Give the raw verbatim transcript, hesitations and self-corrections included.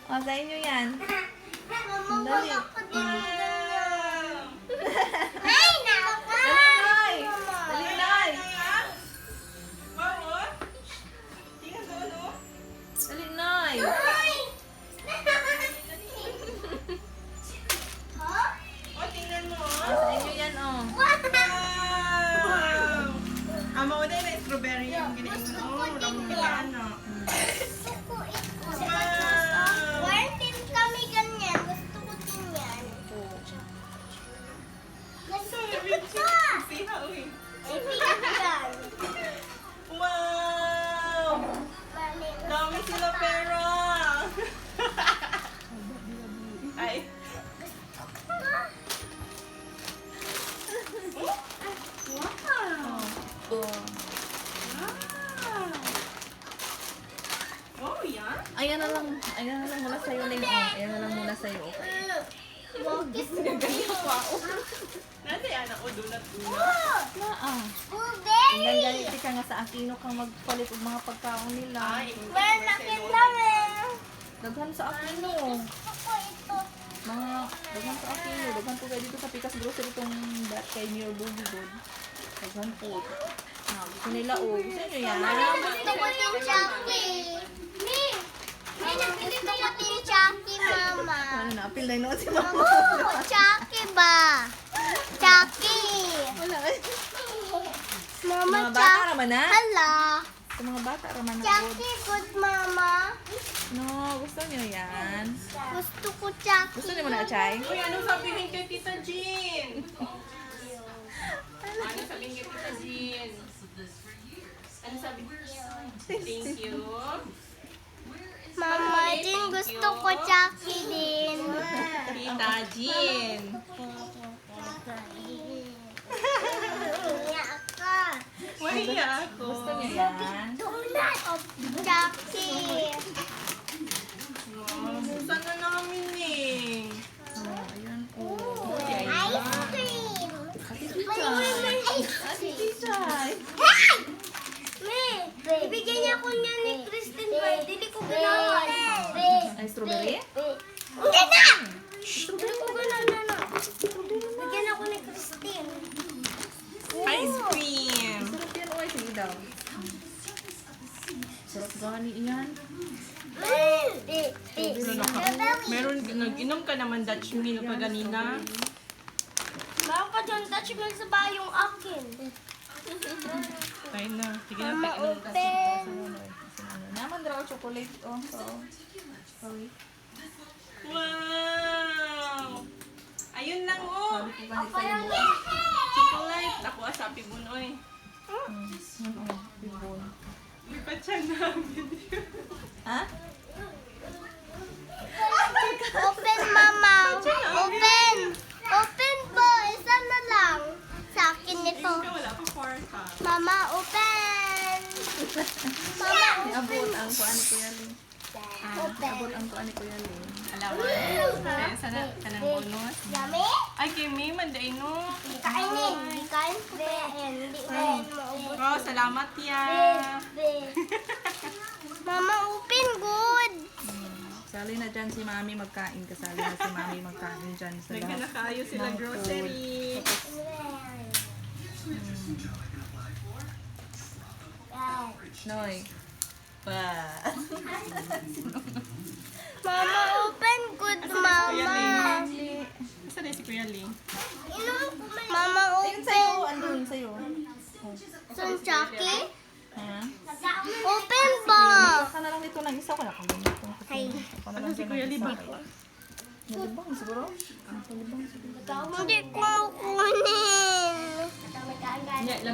O, sa inyo yan. Mama, Dali. wala ko din Mm. ganyan. Ay, naka! Dali, Nay. Dali, Nay. Wow, tingnan doon, oh. Dali, Nay. Ay! Huh? Oh, tingnan mo, O, oh. sa inyo yan, o. Wow! Ah, mauna na yung strawberry yung ginain mo. Oh, wala mo kilala. Gusto ko ito. Wow! Meron din kami ganyan. Gusto ko din yan. Gusto ko ito. Siha, uy. Ibigat yan. Wow! Bali. Dami sila pera! Ay. Wow! O. Wow! Oh, yan? Ayan na lang. Ayan na lang muna sa'yo, Ling. O, ayan na lang muna sa'yo. Okay. Bogis mo Nasa yan ako doon at una. Na, ah. Blueberry. Hanggang ganiti ka nga sa Aquino kang magpalit og mga pagkaon nila. Ay, Meron na kinami. Daghan sa Aquino. Gusto ko ito. Mga, daghan sa Aquino. Daghan po kayo dito sa Pikas Grocery itong dat kay Mayor Bugigod. Daghan po. Na, gusto nila o. Gusto nyo yan? Gusto ko din Chucky. Mi, may nabili ko pa din Chucky, Mama. Ano na, apil na yun si Mama. Oo, Chucky ba? Chucky. Wala. Mama, Mga bata Chucky. raman na. Hala. Sa mga bata raman na. Chucky, good, Mama. No, gusto nyo yan. Gusto ko Chucky. Gusto nyo mo na, Chay? Uy, anong sabihin kay Tita Jean? Ano sabihin kay Tita Jean? Ano sabi? Thank you. Mama, din gusto ko Chucky din. Tita Jean. Iyak ka. Mahiya ako. Gusto nyo yan? Donut of Chucky. Oh, busan na namin eh. Oh, ayan po. Ice cream. May ice Ate cream. Chay. Hey! Me, ibigyan niya ko niya ni Kristen ba? Dili ko ganawa. Ay, strawberry? Hindi na! Dili ko ganawa na. Bigyan ako ni Kristen. Ice cream. Sarap yan, oy. Sige daw. Sarap gani iyan. Meron, nag-inom ka naman Dutch milk pa ganina. Meron pa dyan touch milk sa bayong akin. Tayo na. Sige na, Mama, pag-inom ka. open. Naman daw chocolate. Oh, so. Sorry. Wow! Ayun lang oh. Sabi ko kasi sa'yo mo. Chocolate. Ako asapi mo noy. Hmm. Ano, oh, bibon. Lipat siya namin. Ha? Open, Mama. Open. Open po. Isa na lang. Sa akin ito. Ikaw wala pa kwarta. Mama, open. Mama, Abot ang kuan ni Kuya Ling. open. Abot ang kuan ni Kuya Ling. Alam mo. Kaya sana ka ng bonus. Dami? Ay, Kimi, manday no. Hindi kainin. Hindi kain ko kain. Hindi kain mo. Oh, salamat ya. Mama, open good. Sali na dyan si Mami magkain. Kasali na si Mami magkain dyan sa lahat. Nagkanakayo sila ng grocery. Noy. Pa. Mama, open good, Mama. Saan na si Kuya Ling? Mama, Ayun sa'yo. open. Andun sa'yo. Son Chucky? Ha? Open ba? Baka na lang dito ng isa ko na. Kung ganito. Ay. Ako na Ano lang si dyan Kuya ng Ling isa. ba? Nalibang siguro? Nalibang siguro. Hindi ko kunin. Yeah,